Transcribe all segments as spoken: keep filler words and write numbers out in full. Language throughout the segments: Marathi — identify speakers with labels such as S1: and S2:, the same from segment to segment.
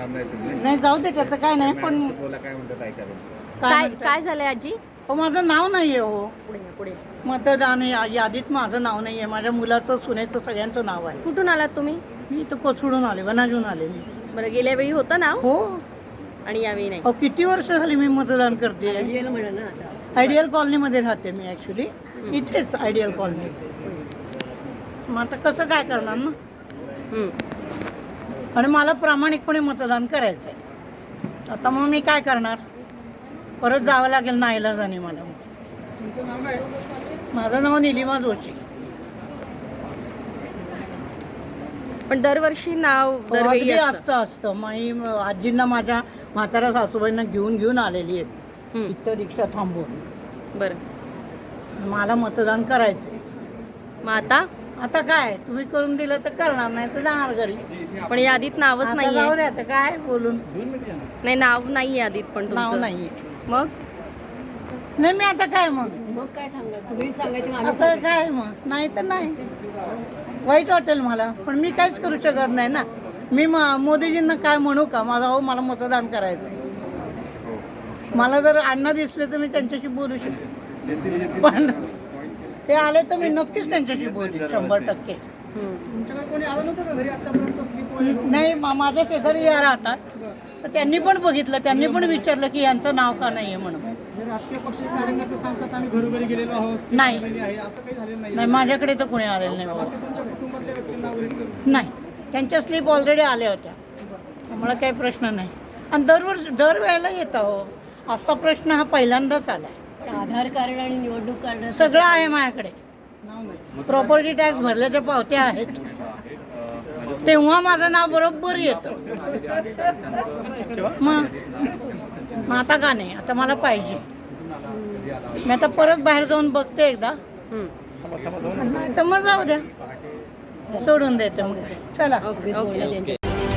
S1: करणार नाही तुम्ही.
S2: नाही जाऊ दे त्याचं काय नाही पण
S1: बोला काय म्हणतात ऐका त्यांचं.
S3: काय
S2: म्हणतात?
S3: काय झालंय आजी?
S2: हो माझं नाव नाही आहे हो
S3: पुढे या, पुढे.
S2: मतदान या- यादीत माझं नाव नाही आहे. माझ्या मुलाचं सुनेचं सगळ्यांचं नाव आहे.
S3: कुठून आलात तुम्ही?
S2: मी इथं कोसळून आले वनाजून आले मी.
S3: बरं, गेल्या वेळी होतं नाव
S2: हो
S3: आणि यावेळी नाही.
S2: अहो किती वर्ष झाली मी मतदान करते. आयडियल कॉलनीमध्ये राहते मी ॲक्च्युली, इथेच आयडियल कॉलनी. मग आता कसं काय करणार ना.
S3: हम्म.
S2: आणि मला प्रामाणिकपणे मतदान करायचं आहे. आता मग मी काय करणार, परत जावं लागेल नाईलाजाने मला. माझं नाव निलिमा जोशी.
S3: पण दरवर्षी नाव
S2: अगदी
S3: दरवेळी असतं.
S2: असतं असतं माई आजींना माझ्या म्हाताऱ्या सासूबाईंना घेऊन घेऊन आलेली आहे
S3: हम्म.
S2: इथं रिक्षा थांबवून.
S3: बरं,
S2: मला मतदान करायचं आहे.
S3: मग आता
S2: आता काय तुम्ही करून दिलं तर करणार, नाही तर जाणार घरी.
S3: पण यादीत नावच
S2: आता
S3: नाहीये.
S2: जाऊ दे, आता काय बोलून
S3: नाही, नाव नाही यादीत पण
S2: नाव
S3: तुमचं.
S2: नाहीये.
S3: मग
S2: नाही मी आता काय मग
S3: मग काय सांगा तुम्ही सांगायचं
S2: आता काय मग नाही तर नाही. वाईट वाटेल मला, पण मी काहीच करू शकत नाही ना. मी म- मोदीजींना काय म्हणू का, माझा हो मला मतदान करायचं आहे. मला जर अण्णा दिसले तर मी त्यांच्याशी बोलू शकते, पण ते आले तर मी नक्कीच त्यांच्याशी बोलू शंभर टक्के.
S4: तुमच्याकडे कोणी आलं नव्हतं का घरी आतापर्यंत स्लिप?
S2: नाही मा- माझ्या शेजारी या राहतात, तर त्यांनी पण बघितलं, त्यांनी पण विचारलं की यांचं नाव का नाही आहे म्हणून.
S4: हे राजकीय पक्षाचे कार्यकर्ते सांगतात आम्ही घरोघरी गेलेलो आहोत,
S2: नाही.
S4: slip आहे, असं काही झालेलं नाही.
S2: नाही माझ्याकडे तर कोणी आलेलं नाही बाबा.
S4: तुमच्या कुटुंबातल्या व्यक्तींना वगैरे
S2: नाही, त्यांच्या स्लीप ऑलरेडी आल्या होत्या, त्यामुळे काही प्रश्न नाही. आणि दरवर्षी दरवेळेला येतं हो, असा प्रश्न हा पहिल्यांदाच आला आहे.
S3: आधार कार्ड आणि निवडणूक कार्ड
S2: सगळं आहे माझ्याकडे,
S4: नाव नाही.
S2: प्रॉपर्टी टॅक्स भरल्याच्या पावत्या आहेत, तेव्हा माझं नाव बरोबर येतं. मग मग आता का नाही, आता मला पाहिजे. मी आता परत बाहेर जाऊन बघते एकदा, नाही तर मग जाऊ द्या, सोडून देते मग. चला.
S3: Okay okay.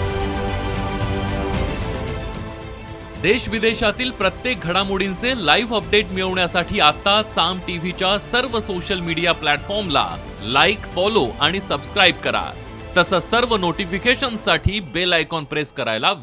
S5: देश विदेशातील प्रत्येक घडामोडींचे लाईव्ह अपडेट मिळवण्यासाठी आता साम टीव्हीच्या सर्व सोशल मीडिया प्लॅटफॉर्मला लाईक, फॉलो आणि सबस्क्राईब करा. तसंच सर्व नोटिफिकेशनसाठी बेल आयकॉन प्रेस करायला